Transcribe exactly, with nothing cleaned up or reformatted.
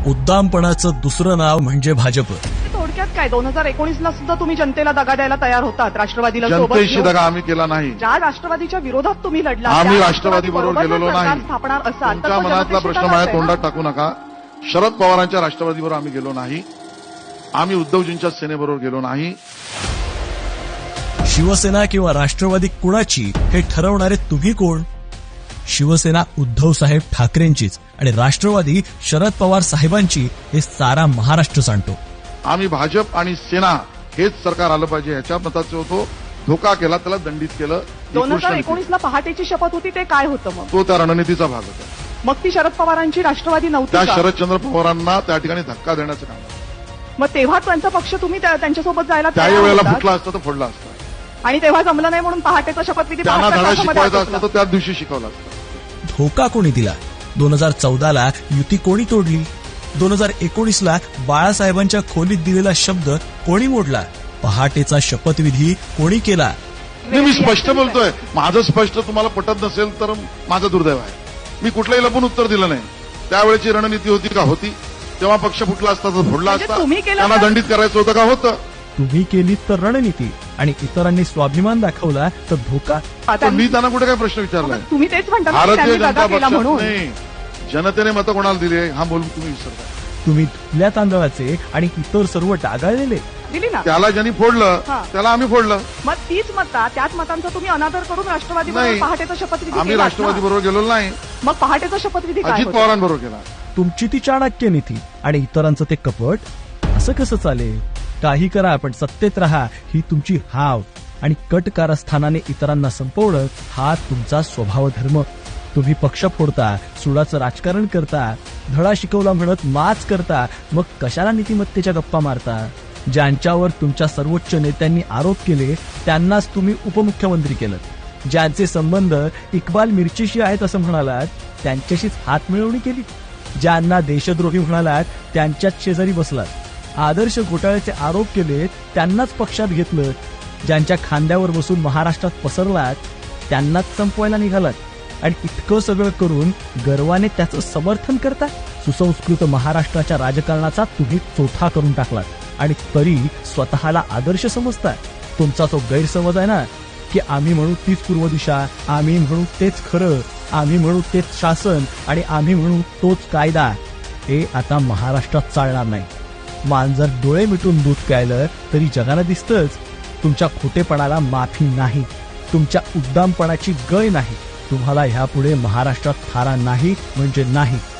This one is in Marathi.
उद्दामपणाचं दुसरं नाव म्हणजे भाजप. थोडक्यात काय दोन हजार एकोणीस ला सुद्धा तुम्ही जनतेला दगा द्यायला तयार होतात. राष्ट्रवादीला जनतेशी दगा आम्ही केला नाही. ज्या राष्ट्रवादीच्या विरोधात तुम्ही लढला आम्ही राष्ट्रवादी बरोबर गेलेलो नाही. स्थापणार असाल तर तुमच्या मनातला प्रश्न माझ्या तोंडात टाकू नका. शरद पवारांच्या राष्ट्रवादीबरोबर आम्ही गेलो नाही. आम्ही उद्धवजींच्या सेनेबरोबर गेलो नाही. शिवसेना किंवा राष्ट्रवादी कुणाची हे ठरवणारे तुम्ही कोण? शिवसेना उद्धव साहेब ठाकरेंचीच आणि राष्ट्रवादी शरद पवार साहेबांची हे सारा महाराष्ट्र सांगतो. आम्ही भाजप आणि सेना हेच सरकार आलं पाहिजे ह्याच्या मताचे होतो. धोका केला त्याला दंडित केलं. दोन हजार एकोणीस ला पहाटेची शपथ होती ते काय होतं मग? तो त्या रणनीतीचा भाग होता. मग ती शरद पवारांची राष्ट्रवादी नव्हती त्या का? शरदचंद्र पवारांना त्या ठिकाणी धक्का देण्याचं काम. मग तेव्हा त्यांचा पक्ष तुम्ही त्या- त्यांच्यासोबत जायला तयार त्याही वेळेला होतात? फुटला असता तर फोडला असता. आणि तेव्हा जमलं नाही म्हणून पहाटेचा शपथविधी त्यांना बहात्तर धडा तासामध्ये शिकवायचा आटोपला. असता तर त्याच दिवशी शिकवला असता. धोका कोणी दिला? दोन हजार चौदा ला युती कोणी तोडली? दोन हजार एकोणीस ला बाळासाहेबांच्या खोलीत दिलेला शब्द कोणी मोडला? पहाटेचा शपथविधी कोणी केला? नाही, मी स्पष्ट बोलतोय. माझं स्पष्ट तुम्हाला पटत नसेल तर माझं दुर्दैव आहे. मी कुठलंही लपून उत्तर दिलं नाही. त्यावेळेची रणनीती होती का? होती. तेव्हा पक्ष फुटला असता तर फोडला म्हणजे असता. तुम्ही केलं त्यांना तर- दंडित करायचं होतं का? होतं. तुम्ही केली तर रणनीती आणि इतरांनी स्वाभिमान दाखवला तर धोका. पण मी त्यांना कुठे काय प्रश्न विचारलाय? तुम्ही तेच म्हणता ना की भारतीय त्यांनी जनता दगा केला पक्षात म्हणून. नाही. जनतेने मतं कोणाला दिली हा बोलून तुम्ही विसरता. तुम्ही धुतल्या तांदळाचे आणि इतर सर्व डागाळलेले. दिली ना. त्याला ज्यांनी फोडलं हा. त्याला आम्ही फोडलं. मग तीच मता त्याच मतांचा तुम्ही अनादर करून राष्ट्रवादी बरोबर नाही. पहाटेचा शपथविधी आम्ही केलात राष्ट्रवादी ना. बरोबर गेलो नाही. मग पहाटेचा शपथविधी काय अजित होता? पवारांबरोबर गेला. तुमची ती चाणक्य नीती आणि इतरांचं ते कपट. असं कसं चालेल? काही करा पण सत्तेत राहा ही तुमची हाव आणि कट कारस्थानाने इतरांना संपवणं हा तुमचा स्वभाव धर्म. तुम्ही पक्ष फोडता, सुडाचं राजकारण करता, धडा शिकवला म्हणत माच करता, मग कशाला नीतिमत्तेच्या गप्पा मारता? ज्यांच्यावर तुमच्या सर्वोच्च नेत्यांनी आरोप केले त्यांनाच तुम्ही उपमुख्यमंत्री केलं. ज्यांचे संबंध इक्बाल मिरचीशी आहेत असं म्हणालात त्यांच्याशीच हात मिळवणी केली. ज्यांना देशद्रोही म्हणालात त्यांच्याच शेजारी बसलात. आदर्श घोटाळ्याचे आरोप केले त्यांनाच पक्षात घेतलं. ज्यांच्या खांद्यावर बसून महाराष्ट्रात पसरलात त्यांनाच संपवायला निघालात. आणि इतकं सगळं करून गर्वाने त्याचं समर्थन करता. सुसंस्कृत महाराष्ट्राच्या राजकारणाचा तुम्ही चोथा करून टाकलात आणि तरी स्वतःला आदर्श समजता. तुमचा तो गैरसमज आहे ना की आम्ही म्हणू तीच पूर्व दिशा, आम्ही म्हणू तेच खरं, आम्ही म्हणू तेच शासन आणि आम्ही म्हणू तोच कायदा, हे आता महाराष्ट्रात चालणार नाही. मांजर डोळे मिटून दूध प्यायलं तरी जगाला दिसतंच. तुमच्या खोटेपणाला माफी नाही. तुमच्या उद्दामपणाची गय नाही. तुम्हाला ह्यापुढे महाराष्ट्रात थारा नाही म्हणजे नाही.